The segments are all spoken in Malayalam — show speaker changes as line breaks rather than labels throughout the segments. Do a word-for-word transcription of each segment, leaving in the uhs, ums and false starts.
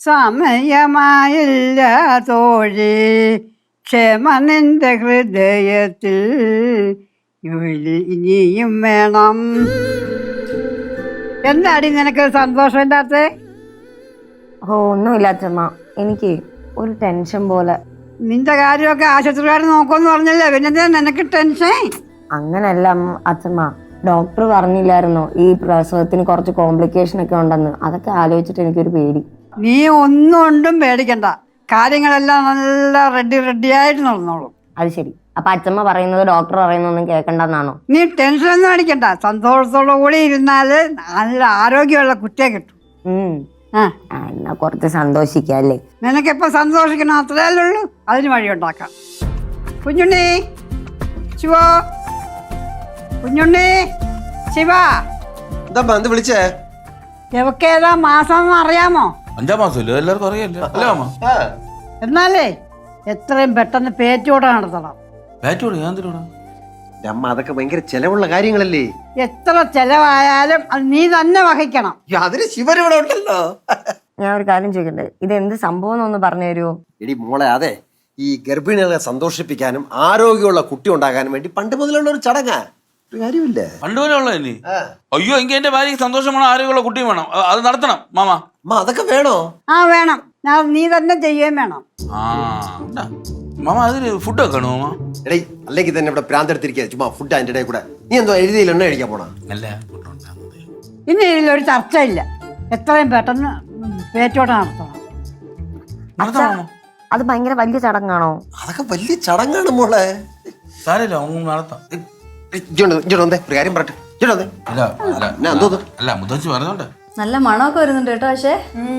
സമയമായില്ല തോഴി ക്ഷമ നിന്റെ ഹൃദയത്തിൽ ജോലി ഇനിയും വേണം. എന്താടി നിനക്ക് സന്തോഷം ഇല്ലാത്ത?
ഓ ഒന്നുമില്ലാത്തമ്മ, എനിക്ക് ഒരു ടെൻഷൻ പോലെ.
നിന്റെ കാര്യമൊക്കെ ആശുപത്രിക്കാർ നോക്കുമെന്ന് പറഞ്ഞല്ലേ, പിന്നെ നിനക്ക് ടെൻഷൻ?
അങ്ങനല്ല അച്ഛമ്മ, ഡോക്ടർ പറഞ്ഞില്ലായിരുന്നോ ഈ പ്രസവത്തിന് കുറച്ച് കോംപ്ലിക്കേഷൻ ഒക്കെ ഉണ്ടെന്ന്. അതൊക്കെ ആലോചിച്ചിട്ട് എനിക്കൊരു പേടി.
നീ ഒന്നും കൊണ്ടും പേടിക്കണ്ട, കാര്യങ്ങളെല്ലാം നല്ല റെഡി റെഡിയായിട്ട് നടന്നോളൂ.
അത് ശരി. അപ്പൊ അച്ഛമ്മ പറയുന്നത് ഡോക്ടർ പറയുന്നൊന്നും കേൾക്കണ്ടെന്നാണോ?
നീ ടെൻഷനൊന്നും അടിക്കണ്ട, സന്തോഷത്തോടു കൂടി ഇരുന്നാല് നല്ല ആരോഗ്യമുള്ള കുട്ടിയെ കിട്ടും.
ഉം
ആ
എന്നാ കുറച്ച് സന്തോഷിക്കല്ലേ.
നിനക്കിപ്പോ സന്തോഷിക്കണം, അത്രയല്ലേ ഉള്ളൂ. അതിന് വഴിയുണ്ടാക്കാം. കുഞ്ഞുണ്ണി, ശിവോ, കുഞ്ഞുണ്ണി, ശിവ.
എന്താ എന്ത് വിളിച്ചേ?
എവക്കേതാ മാസം അറിയാമോ?
അഞ്ചാം മാസമല്ലോ, എല്ലാവർക്കും അറിയാലോ. അല്ലേ അമ്മ?
എന്നാലേ എത്രയും പെട്ടെന്ന് പേറ്റോടെ നടത്തണം.
ബാറ്റോട് ഞാൻ എന്തിനോടാ?
അമ്മ അതൊക്കെ ഭയങ്കര ചെലവുള്ള കാര്യങ്ങളല്ലേ.
എത്ര ചെലവായാലും അത് നീ തന്നെ വഹിക്കണം.
അതിന് ശിവരിവിടെ ഉണ്ടല്ലോ.
ഞാൻ ഒരു കാര്യം ചോദിക്കട്ടെ, ഇത് എന്ത് സംഭവം എന്നൊന്ന് പറഞ്ഞു തരുമോ?
എടി മോളെ, അതെ ഈ ഗർഭിണികളെ സന്തോഷിപ്പിക്കാനും ആരോഗ്യമുള്ള കുട്ടി ഉണ്ടാകാനും വേണ്ടി പണ്ട് മുതലുള്ള ഒരു ചടങ്ങാ. ഒരു കാര്യമില്ല,
പണ്ട് പോലെ ഉള്ള ഇനി. അയ്യോ, എങ്കിൽ എന്റെ ഭാര്യക്ക് സന്തോഷം വേണം, ആരോഗ്യമുള്ള കുട്ടിയും വേണം. അത് നടത്തണം മാമ.
അമ്മ അതൊക്കെ വേണോ?
ആ വേണം, ഞാൻ നീ തന്നെ ചെയ്യുകയും വേണം.
ആ മാമ, അതിന് ഫുഡ് വെക്കണോ മാമ?
എടേ, അല്ലെങ്കിൽ തന്നെ ഇവിടെ പ്രാന്തെടുത്തിരിക്കുക ചുമ്മാ ഫുഡ് അതിൻ്റെ ഇടയിൽ കൂടെ. നീ എന്തോ എഴുതിയില്ല, എണ്ണ കഴിക്കാൻ പോണ?
അല്ല,
ഇനി ഇതിലൊരു ചർച്ചയില്ല, എത്രയും പെട്ടെന്ന് പേറ്റോടെ നടത്തണം.
നടത്തണം.
അത് ഭയങ്കര വലിയ ചടങ്ങാണോ?
അതൊക്കെ വലിയ ചടങ്ങാണ് മോളെ.
സാരമില്ല, നടത്താം.
ഒരു കാര്യം പറട്ടെ.
അല്ല, മുത്തച്ഛി പറഞ്ഞോണ്ട്
നല്ല മണമൊക്കെ വരുന്നുണ്ട് കേട്ടോ. പക്ഷേ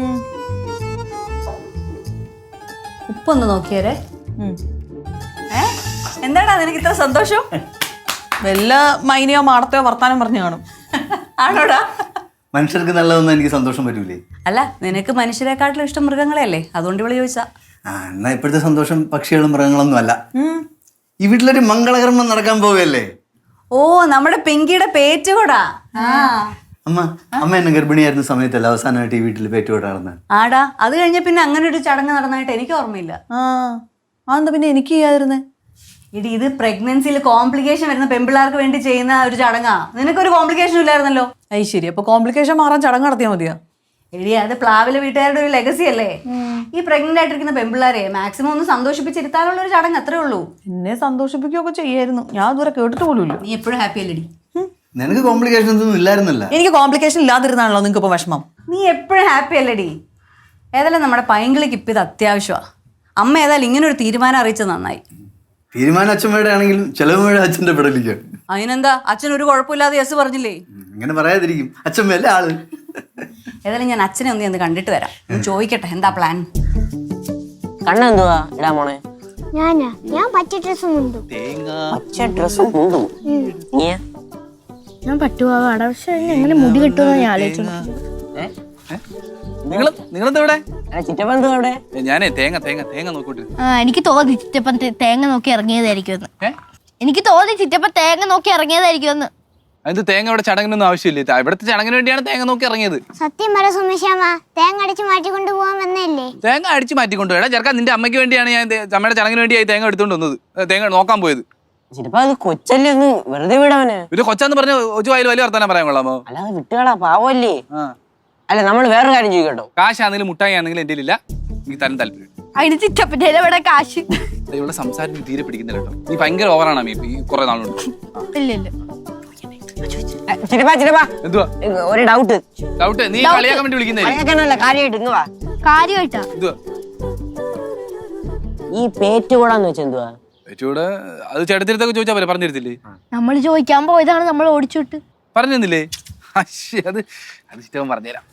ഉപ്പൊന്ന് നോക്കിയേരെ. ഏ എന്താടാ നിനക്ക് ഇത്ര സന്തോഷം?
വല്ല മൈനയോ മാടത്തയോ വർത്താനം പറഞ്ഞു കാണും.
ആണോടാ?
മനുഷ്യർക്ക് നല്ലതൊന്നും എനിക്ക് സന്തോഷം പറ്റൂലേ?
അല്ല, നിനക്ക് മനുഷ്യരെക്കാട്ടിലും ഇഷ്ടം മൃഗങ്ങളെയല്ലേ, അതുകൊണ്ട് ഇവിടെ ചോദിച്ചാ.
ആ എന്നാ ഇപ്പോഴത്തെ സന്തോഷം പക്ഷികളും മൃഗങ്ങളൊന്നും അല്ല. ഈ വീട്ടിലൊരു മംഗളകർമ്മം നടക്കാൻ പോവുകയല്ലേ?
ഓ, നമ്മുടെ പിങ്കിയുടെ പേറ്റുകൂടാ.
അമ്മ അമ്മ എന്നെ ഗർഭിണിയായിരുന്ന സമയത്തല്ല അവസാനമായിട്ട് ഈ വീട്ടിൽ പേറ്റുകൂടാ നടന്നത്.
ആടാ, അത് കഴിഞ്ഞ പിന്നെ അങ്ങനെ ഒരു ചടങ്ങ് നടന്നായിട്ട് എനിക്ക് ഓർമ്മയില്ല.
ആ അതെന്താ പിന്നെ എനിക്ക് ചെയ്യാതിരുന്നേ?
ഇടി, ഇത് പ്രഗ്നൻസിയിൽ കോംപ്ലിക്കേഷൻ വരുന്ന പെൺപിള്ളേർക്ക് വേണ്ടി ചെയ്യുന്ന ഒരു ചടങ്ങാ. നിനക്കൊരു കോംപ്ലിക്കേഷൻ ഇല്ലായിരുന്നല്ലോ.
അത് ശരി. അപ്പൊ കോംപ്ലിക്കേഷൻ മാറാൻ ചടങ്ങ് നടത്തിയാൽ മതിയോ?
എടി, അത് പ്ലാവിലെ വീട്ടുകാരുടെ ഒരു ലെഗസി അല്ലേ. ഈ പ്രഗ്നന്റ് ആയിട്ടിരിക്കുന്ന പെൺപിള്ളേരെ മാക്സിമം ഒന്ന് സന്തോഷിപ്പിച്ചിരുത്താനുള്ള ഒരു ചടങ്ങ് അത്രേ ഉള്ളൂ.
എന്നെ സന്തോഷിപ്പിക്കുകയൊക്കെ ചെയ്യായിരുന്നു, ഞാൻ ഇതുവരെ കേട്ടിട്ട് പോലുമില്ല.
നീ എപ്പോഴും ഹാപ്പി അല്ലേടി?
നിനക്ക് കോംപ്ലിക്കേഷൻസ് ഒന്നും ഇല്ലായിരുന്നല്ല.
എനിക്ക് കോംപ്ലിക്കേഷൻ ഇല്ലാതിരുന്നാണല്ലോ നിങ്ങൾക്ക് ഇപ്പൊ വിഷമം.
നീ എപ്പോഴും ഹാപ്പി അല്ലേടി? ഏതായാലും നമ്മുടെ പൈങ്കിളിക്ക് ഇപ്പം ഇത് അത്യാവശ്യമാണ്. അമ്മ ഏതായാലും ഇങ്ങനെ ഒരു തീരുമാനം അറിയിച്ചത് നന്നായി.
തീരുമാനം അച്ഛമ്മയുടെ ആണെങ്കിലും ചെലവ് അച്ഛന്റെ പെടലിക്കാണ്.
അതിനെന്താ, അച്ഛൻ ഒരു കുഴപ്പമില്ലാതെ യെസ് പറഞ്ഞില്ലേ?
ഇങ്ങനെ പറയാതിരിക്കും, അച്ഛമ്മയല്ലേ ആള്.
ഏതായാലും ഞാൻ അച്ഛനെ ഒന്ന് ഒന്ന് കണ്ടിട്ട് വരാം, ചോദിക്കട്ടെ എന്താ പ്ലാൻ.
കണ്ണെന്തുവാ ഇടാ മോളെ?
ഞാനാ ഞാൻ പച്ച ഡ്രസ് മുണ്ടും.
പച്ച ഡ്രസ്സും മുണ്ടും?
ഞാൻ പട്ടുപാവാട. പക്ഷെ എങ്ങനെ മുടി കിട്ടുമെന്ന് ഞാൻ ആലോചിച്ചു.
ഞാനേ തേങ്ങ തേങ്ങ തേങ്ങ നോക്കൂട്ട്.
എനിക്ക് തോന്നി ചിറ്റപ്പൻ തേങ്ങ നോക്കി ഇറങ്ങിയതായിരിക്കും. എനിക്ക് തോന്നി ചിറ്റപ്പൻ തേങ്ങ നോക്കി ഇറങ്ങിയതായിരിക്കും.
അത് തേങ്ങ ഇവിടെ ചടങ്ങിനൊന്നും ആവശ്യമില്ല, ഇവിടുത്തെ ചടങ്ങിന് വേണ്ടിയാണ് തേങ്ങ നോക്കി ഇറങ്ങിയത്.
സത്യം പറ സുമേഷാമ്മ, തേങ്ങ അടിച്ച് മാറ്റിക്കൊണ്ട് പോകാൻ വന്നല്ലേ?
തേങ്ങ അടിച്ച് മാറ്റിക്കൊണ്ട് പോയടാ ചെറുക്കാൻ. നിന്റെ അമ്മയ്ക്ക് വേണ്ടിയാണ് ഞാൻ അമ്മയുടെ ചടങ്ങിന് വേണ്ടിയായി തേങ്ങ എടുത്തോണ്ട് വന്നത്, തേങ്ങ നോക്കാൻ പോയത്.
കൊച്ചല്ലേ, ഒന്ന് വെറുതെ വിടവന്.
ഒരു കൊച്ചാന്ന് പറഞ്ഞ കൊച്ചു വായിൽ വലിയ വർത്താനം പറയാൻ കൊള്ളാമോ?
അല്ലാതെ വിട്ടുകളാ, പാവല്ലേ. അല്ല, നമ്മൾ വേറൊരു കാര്യം ചോദിക്കട്ടോ.
കാശാണെങ്കിലും മുട്ടായി ആണെങ്കിലും എന്റെ ഇല്ല, നീ തരാൻ താല്പര്യം.
അതിന് ചിറ്റപ്പൻ്റെ ഇവിടെ കാശ്.
ഇവിടെ സംസാരം തീരെ പിടിക്കുന്നില്ല കേട്ടോ, നീ ഭയങ്കര ഓവറാണ് അമ്മ ഈ കുറെ നാളുണ്ട്.
ഒരു ഡൗട്ട്
ഡൗട്ട് നീ കളിയാക്കാൻ വേണ്ടി വിളിക്കുന്നേ?
കാര്യമായിട്ടാ.
ഈ പേറ്റുകൂടാന്ന് വെച്ചാ എന്തുവാ?
പേറ്റുകൂടെ അത് ചേട്ടത്തിരത്തൊക്കെ ചോദിച്ചാ പോലെ പറഞ്ഞിരുത്തില്ലേ?
നമ്മൾ ചോദിക്കാൻ പോയതാണ്, നമ്മൾ ഓടിച്ചുവിട്ട്
പറഞ്ഞു തന്നില്ലേ? അത് അത് ചിറ്റവൻ പറഞ്ഞുതരാം.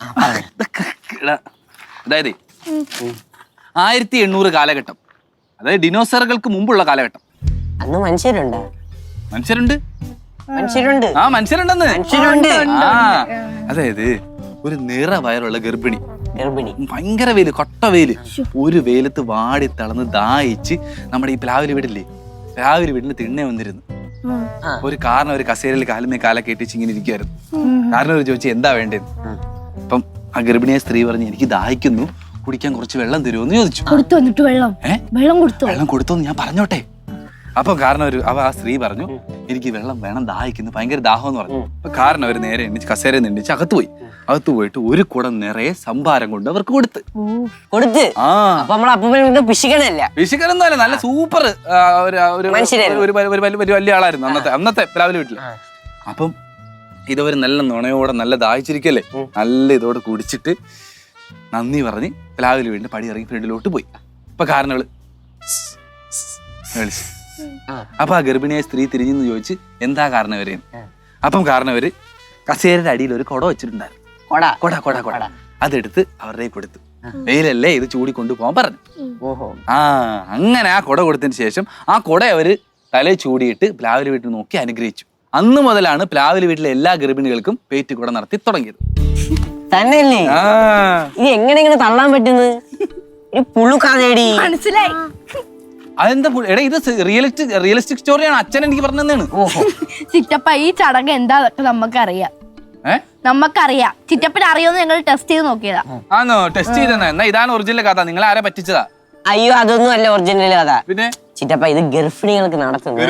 അതായത് ആയിരത്തി എണ്ണൂറ് കാലഘട്ടം, അതായത് ഡിനോസറുകൾക്ക് മുമ്പുള്ള കാലഘട്ടം.
അന്ന് മനുഷ്യരുണ്ട്.
മനുഷ്യരുണ്ട്
മനുഷ്യരുണ്ട്
ആ മനുഷ്യരുണ്ടെന്ന്
മനുഷ്യരുണ്ട്
ആ അതായത് ഒരു നിറ വയറുള്ള ഗർഭിണി
ഗർഭിണി
ഭയങ്കര വെയില്, കൊട്ട വെയില്, ഒരു വെയിലത്ത് വാടി തളർന്ന് ദാഹിച്ച് നമ്മുടെ ഈ പ്ലാവില് വീടില്ലേ, പ്ലാവില് വീടിന് തിണ്ണെ വന്നിരുന്നു. ഒരു കാരണം ഒരു കസേരയിൽ കാലുമേ കാലൊക്കെ ഇട്ടിച്ച് ഇങ്ങനെ ഇരിക്കുവായിരുന്നു. കാരണം ഒരു ചോദിച്ചു എന്താ വേണ്ടത്. അപ്പം ആ ഗർഭിണിയെ സ്ത്രീ പറഞ്ഞ് എനിക്ക് ദാഹിക്കുന്നു, കുടിക്കാൻ കുറച്ച് വെള്ളം തരുമോന്ന് ചോദിച്ചു.
കൊടുത്തു വന്നിട്ട് വെള്ളം
ഏ
വെള്ളം കൊടുത്തു.
വെള്ളം കൊടുത്തോന്ന് ഞാൻ പറഞ്ഞോട്ടെ. അപ്പൊ കാരണം ഒരു അവ ആ സ്ത്രീ പറഞ്ഞു എനിക്ക് വെള്ളം വേണം, ദാഹിക്കുന്നു, ഭയങ്കര ദാഹം എന്ന് പറഞ്ഞു. അപ്പൊ കാരണം അവർ നേരെ എണ്ണിച്ച് കസേരയിൽ നിന്ന് എണ്ണിച്ച് അകത്ത് പോയി. അകത്ത് പോയിട്ട് ഒരു കുടം നിറയെ സംഭാരം കൊണ്ട് അവർക്ക് കൊടുത്ത്
കൊടുത്ത്
ആ
അപ്പൊ നമ്മളെ അപ്പൂപ്പനെ പിശിക്കണല്ല.
വിശുക്കരൊന്നും അല്ല, നല്ല സൂപ്പർ ഒരു
മനുഷ്യരായിരുന്നു.
ഒരു വലിയ- വലിയ- വലിയ വലിയ ആളായിരുന്നു അന്നത്തെ അന്നത്തെ രാവിലെ വീട്ടില്. അപ്പം ഇതവര് നല്ല നുണയോടെ നല്ല ദാഹിച്ചിരിക്കല്ലേ, നല്ല ഇതോടെ കുടിച്ചിട്ട് നന്ദി പറഞ്ഞ് രാവിലെ വീടിന്റെ പടി ഇറങ്ങി ഫ്രണ്ടിലോട്ട് പോയി. അപ്പൊ കാരണവള് വിളിച്ചു. അപ്പൊ ആ ഗർഭിണിയായ സ്ത്രീ തിരിഞ്ഞെന്ന് ചോദിച്ച് എന്താ കാരണവര്. അപ്പം കാരണവര് കസേരയുടെ അടിയിൽ ഒരു കുട വെച്ചിട്ടുണ്ടായിരുന്നു.
കൊട
കൊട കൊട കൊട അതെടുത്ത് അവരുടെ കൊടുത്തു. വെയിലല്ലേ ഇത് ചൂടി കൊണ്ടുപോകാൻ പറഞ്ഞു.
ഓഹോ
ആ അങ്ങനെ ആ കുട കൊടുത്തതിന് ശേഷം ആ കുട അവര് തലയിൽ ചൂടിയിട്ട് പ്ലാവിലെ വീട്ടിൽ നോക്കി അനുഗ്രഹിച്ചു. അന്ന് മുതലാണ് പ്ലാവിലെ വീട്ടിലെ എല്ലാ ഗർഭിണികൾക്കും പേറ്റ് കുട നടത്തി തുടങ്ങിയത്.
തന്നെയല്ലേ?
ആ
ഇത് എങ്ങനെ ഇങ്ങനെ തള്ളാൻ പറ്റുന്നത്? ഒരു പുളുക്കാതേടി.
മനസ്സിലായി.
അതെന്താ പു- എടാ ഇത് റിയലിസ്റ്റിക് റിയലിസ്റ്റിക് സ്റ്റോറിയാണ്, അച്ഛൻ എനിക്ക് പറഞ്ഞു തന്നെയാണ്.
ഓഹോ
ചിറ്റപ്പ ഈ ചടങ്ങ് എന്താന്നൊക്കെ നമുക്കറിയാം.
ഏഹ്
നമുക്കറിയാം. ചിറ്റപ്പന് അറിയോന്ന് ഞങ്ങൾ ടെസ്റ്റ് ചെയ്ത് നോക്കിയതാ.
ആന്നോ ടെസ്റ്റ് ചെയ്തെന്നാ? എന്നാ ഇതാണ് ഒറിജിനൽ കഥ, നിങ്ങൾ ആരെ പറ്റിച്ചതാ?
അയ്യോ അതൊന്നും അല്ല ഒറിജിനൽ കഥ.
പിന്നെ
ചിറ്റപ്പ ഇത് ഗർഭിണികൾക്ക് നടത്തുന്നത്.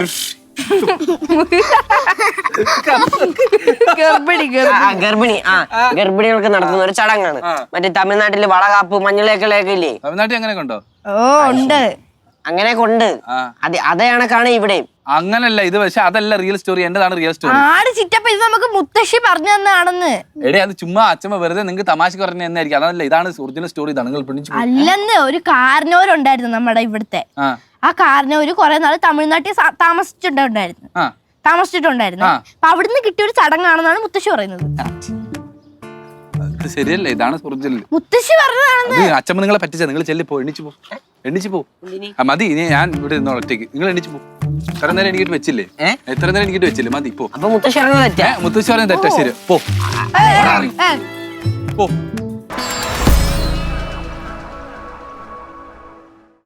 ഗർഭിണി
ആ, ആ, ഗർഭിണി ആ ഗർഭിണികൾക്ക് നടത്തുന്ന ഒരു ചടങ്ങാണ്. മറ്റേ തമിഴ്നാട്ടില് വളകാപ്പ് മഞ്ഞളേക്കളൊക്കെ ഇല്ലേ,
തമിഴ്നാട്ടിൽ അങ്ങനെ ഉണ്ടോ?
ഓ ഉണ്ട്.
അങ്ങനെ കൊണ്ട്
ആ.
അത് അതേ കണക്കാണ് ഇവിടെയും.
അങ്ങനല്ല ഇത്, പക്ഷെ അതല്ല റിയൽ സ്റ്റോറി, എന്റേതാണ് റിയൽ സ്റ്റോറി.
ആട് ചിറ്റപ്പ ഇത് നമുക്ക് മുത്തശ്ശി പറഞ്ഞു തന്നാണെന്ന്.
എടേ അത് ചുമ്മാ അച്ഛമ്മ വെറുതെ നിങ്ങൾക്ക് തമാശക്ക് പറഞ്ഞു തന്നെയായിരിക്കും. അതല്ല, ഇതാണ് ഒറിജിനൽ സ്റ്റോറി, ഇതാണ് നിങ്ങൾ പിടിച്ചു.
അല്ലെന്ന് ഒരു കാരണവരുണ്ടായിരുന്നു നമ്മുടെ ഇവിടുത്തെ.
ആ
ആ കാരണവര് കുറെ നാള് തമിഴ്നാട്ടിൽ സ- താമസിച്ചിട്ടുണ്ടായിരുന്നു
ആ
താമസിച്ചിട്ടുണ്ടായിരുന്നു അപ്പൊ അവിടുന്ന് കിട്ടിയ ഒരു ചടങ്ങാണെന്നാണ് മുത്തശ്ശി പറയുന്നത്.
ഇത് ശരിയല്ലേ, ഇതാണ് ഒറിജിനൽ.
മുത്തശ്ശി പറഞ്ഞതാണെന്ന്.
അത് അച്ഛമ്മ നിങ്ങളെ പറ്റിച്ച, നിങ്ങൾ ചെല്ലി പോ, എണ്ണിച്ചു പോ, എണ്ണിച്ചു പോ. ആ മതി, ഇനി ഞാൻ ഇവിടെ നിന്നോ ഒറ്റയ്ക്ക്, നിങ്ങൾ എണ്ണിച്ചു പോ. എത്ര നേരം എനിക്കിട്ട് വെച്ചില്ലേ? എത്ര നേരം എനിക്കിട്ട് വെച്ചില്ലേ? മതി പോ.
അപ്പൊ മുത്തശ്ശി ഇറങ്ങുന്നത് തെറ്റാ.
മുത്തശ്ശി പറഞ്ഞ തെറ്റാ, ശരി പോ
ഏ, ഏ, ഏ.
പോ.